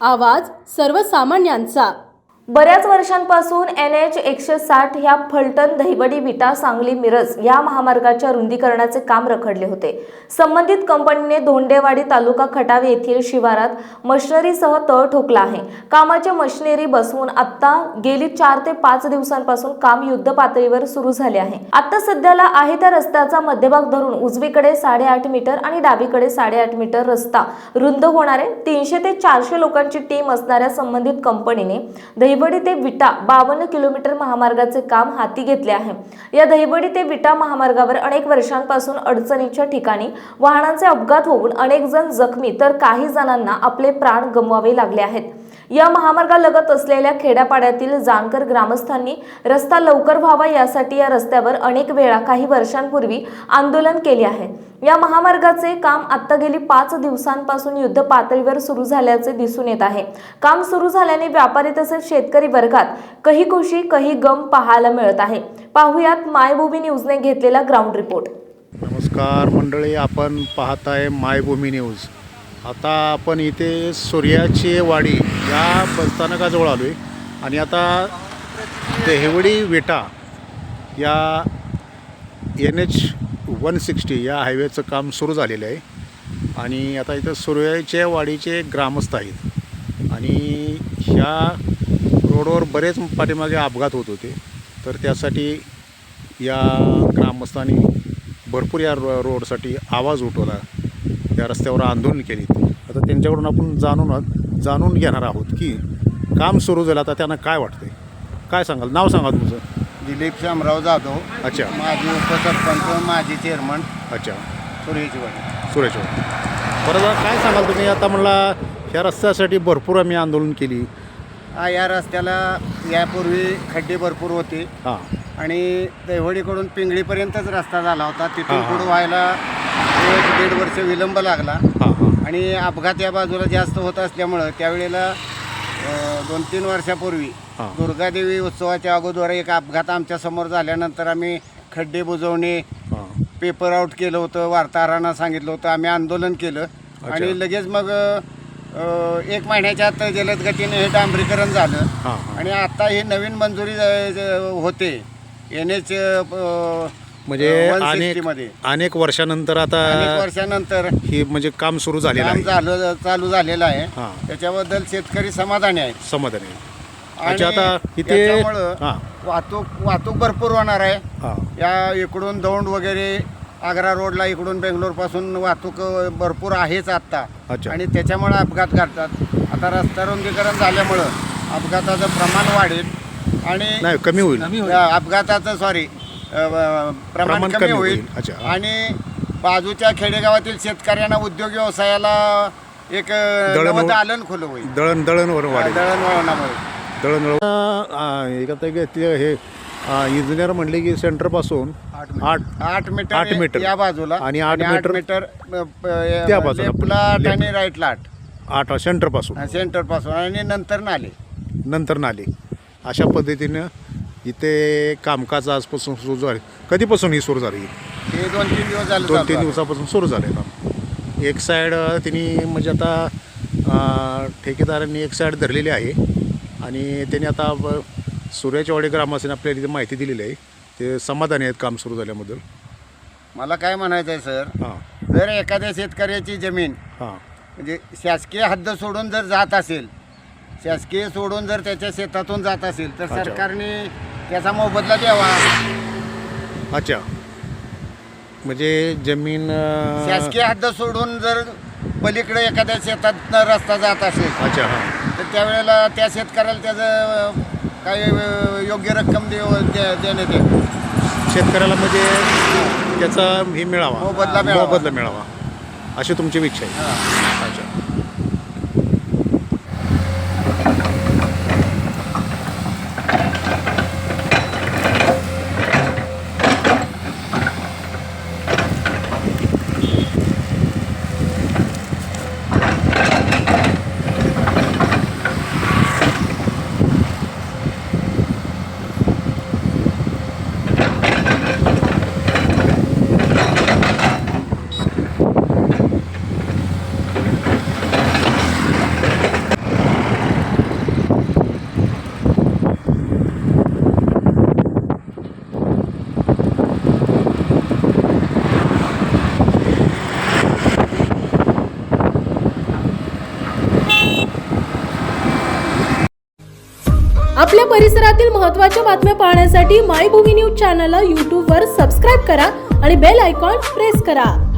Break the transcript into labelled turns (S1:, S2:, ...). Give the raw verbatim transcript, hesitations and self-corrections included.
S1: आवाज सर्वसामान्यांचा।
S2: बऱ्याच वर्षांपासून एन एच एकशे साठ ह्या फलटण दहिवडी विटा सांगली मिरज या महामार्गाच्या रुंदीकरणाचे काम रखडले होते। संबंधित कंपनीने धोंडेवाडी तालुका खटाव येथील शिवारात मशिनरीसह तळ ठोकला आहे। कामाचे मशिनरी बसवून आता गेली चार ते पाच दिवसांपासून काम युद्ध पातळीवर सुरू झाले आहे। आता सध्याला आहे त्या रस्त्याचा मध्यभाग धरून उजवीकडे साडेआठ मीटर आणि डावीकडे साडेआठ मीटर रस्ता रुंद होणारे तीनशे ते चारशे लोकांची टीम असणाऱ्या संबंधित कंपनीने दहिवडी ते विटा बावन्न किलोमीटर महामार्गाचे काम हाती घेतले आहे। या दहिवडी ते विटा महामार्गावर अनेक वर्षांपासून अडचणीच्या ठिकाणी वाहनांचे अपघात होऊन अनेक जण जखमी तर काही जणांना आपले प्राण गमवावे लागले आहेत। या महामार्गालगत असलेल्या खेड्यापाड्यातील जानकर ग्रामस्थांनी रस्ता लवकर व्हावा यासाठी या रस्त्यावर अनेक वेळा काही वर्षांपूर्वी आंदोलन केले आहे। या महामार्गाचे काम आता गेली पाच दिवसांपासून युद्ध पातळीवर सुरू झाल्याचे दिसून येत आहे। काम सुरू झाल्याने व्यापारी तसेच शेतकरी वर्गात कही खुशी कही गम पाहायला मिळत आहे। पाहुयात मायभूमी न्यूजने घेतलेला ग्राउंड रिपोर्ट।
S3: नमस्कार मंडळी, आपण पाहताय मायभूमी न्यूज। आता आपण इथे सूर्याची वाडी या बसस्थानकाजवळ आलो आहे आणि आता दहिवडी विटा या एन एच वन सिक्स्टी या हायवेचं काम सुरू झालेलं आहे आणि आता इथं सूर्याच्या वाडीचे ग्रामस्थ आहेत आणि ह्या रोडवर बरेच पाठीमागे अपघात होत होते, तर त्यासाठी या ग्रामस्थांनी भरपूर या रो रोडसाठी आवाज उठवला, त्या रस्त्यावर आंदोलन केली। आता त्यांच्याकडून आपण जाणून जाणून घेणार आहोत की काम सुरू झालं आता त्यांना काय वाटतंय। काय सांगाल? नाव सांगा तुमचं?
S4: दिलीप शामराव जाधव।
S3: अच्छा।
S4: माजी उपसरपंच, माजी चेअरमन।
S3: अच्छा।
S4: सूर्याची वाडी।
S3: सूर्याची वाडी। बरं, काय सांगाल तुम्ही? आता म्हणला ह्या रस्त्यासाठी भरपूर आम्ही आंदोलन केली।
S4: हा, या रस्त्याला यापूर्वी खड्डे भरपूर होते।
S3: हां।
S4: आणि दहिवडीकडून पिंगळीपर्यंतच रस्ता झाला होता, तिथून
S3: हां, हां.
S4: पुढं व्हायला एक दीड वर्ष विलंब लागला।
S3: हां हां।
S4: आणि अपघात या बाजूला जास्त होत असल्यामुळं त्यावेळेला अ, दोन तीन वर्षापूर्वी
S3: हां.
S4: दुर्गादेवी उत्सवाच्या अगोदर एक अपघात आमच्यासमोर झाल्यानंतर आम्ही खड्डे बुजवणे,
S3: हां।
S4: पेपर आउट केलं होतं, वार्ताहरांना सांगितलं होतं, आम्ही आंदोलन केलं आणि लगेच मग अ, एक महिन्याच्या आत जलद गतीने हे डांबरीकरण झालं।
S3: हां हां।
S4: आणि आता ही नवीन मंजुरी ज- ज- होते एन एच
S3: म्हणजे अनेक
S4: मध्ये
S3: अनेक वर्षानंतर आता
S4: अनेक वर्षानंतर
S3: ही म्हणजे काम सुरू झालेलं
S4: काम
S3: आहे।
S4: झालं चालू झालेलं आहे।
S3: हां।
S4: त्याच्याबद्दल शेतकरी समाधानी आहेत।
S3: समाधान आहे।
S4: आणि
S3: अच्छा, आता इथे
S4: त्याच्यामुळं
S3: हां
S4: वाहतूक वाहतूक भरपूर होणार आहे।
S3: हां।
S4: या इकडून दौंड वगैरे आग्रा रोडला इकडून बेंगलोरपासून वाहतूक भरपूर आहेच आत्ता।
S3: अच्छा।
S4: आणि त्याच्यामुळे अपघात घडतात। आता रस्ता रुंदीकरण झाल्यामुळं अपघाताचं प्रमाण वाढेल आणि
S3: नाही कमी होईल।
S4: या अपघाताचं सॉरी प्रमाण
S3: प्रमाण
S4: कमी
S3: कमी
S4: होईल।
S3: होईल। अच्छा।
S4: आणि बाजूच्या खेडेगावातील शेतकऱ्यांना उद्योग व्यवसायाला एक
S3: दळण-
S4: नवदालन खुलं होईल।
S3: दळण दळणवर वाढेल।
S4: दळणवळणामुळे
S3: दळण एक आता ते हे इंजिनियर म्हणले की सेंटरपासून आठ
S4: आठ मीटर
S3: आठ मीटर
S4: या बाजूला
S3: आणि आठ मीटर
S4: मीटर
S3: त्या बाजूला.
S4: लेफ्टला आठ आणि राईटला आठ
S3: आठ सेंटरपासून
S4: सेंटर पासून आणि नंतर नाले
S3: नंतर नाले अशा पद्धतीनं इथे कामकाज आजपासून सुरू झाले। कधीपासून ही सुरू झाली?
S4: हे दोन तीन दिवस झाले
S3: दोन
S4: चालू
S3: तीन
S4: आहे.
S3: दिवसापासून सुरू झाले काम। एक साईड तिने म्हणजे आता अं, ठेकेदारांनी एक साईड धरलेली आहे आणि त्यांनी आता ब- सूर्याच्या वाडी ग्रामस्थांनी आपल्याला इथे माहिती दिलेली आहे, ते समाधानी आहेत काम सुरू झाल्याबद्दल।
S4: मला काय म्हणायचं आहे सर,
S3: हां
S4: जर एखाद्या शेतकऱ्याची जमीन
S3: हां
S4: म्हणजे शासकीय हद्द सोडून जर जात असेल, शासकीय सोडून जर त्याच्या शेतातून जात असेल तर
S3: अच्छा.
S4: सरकारने त्याचा मोबदला द्यावा।
S3: अच्छा, म्हणजे जमीन अं,
S4: शासकीय हद्द सोडून जर पलीकडे एखाद्या शेतात रस्ता जात असेल
S3: अच्छा हां
S4: तर त्यावेळेला त्या शेतकऱ्याला त्याचं काही योग्य रक्कम देव दे- देण्यात येईल।
S3: शेतकऱ्याला म्हणजे त्याचा हे मिळावा,
S4: मोबदला मिळावा.
S3: मोबदला मिळावा अशी तुमची इच्छा आहे।
S4: हां.
S3: अच्छा।
S1: आपल्या परिसरातील महत्त्वाच्या बातम्या पाहण्यासाठी मायभूमी न्यूज चॅनलला यूट्यूबवर सबस्क्राईब करा आणि बेल आयकॉन प्रेस करा.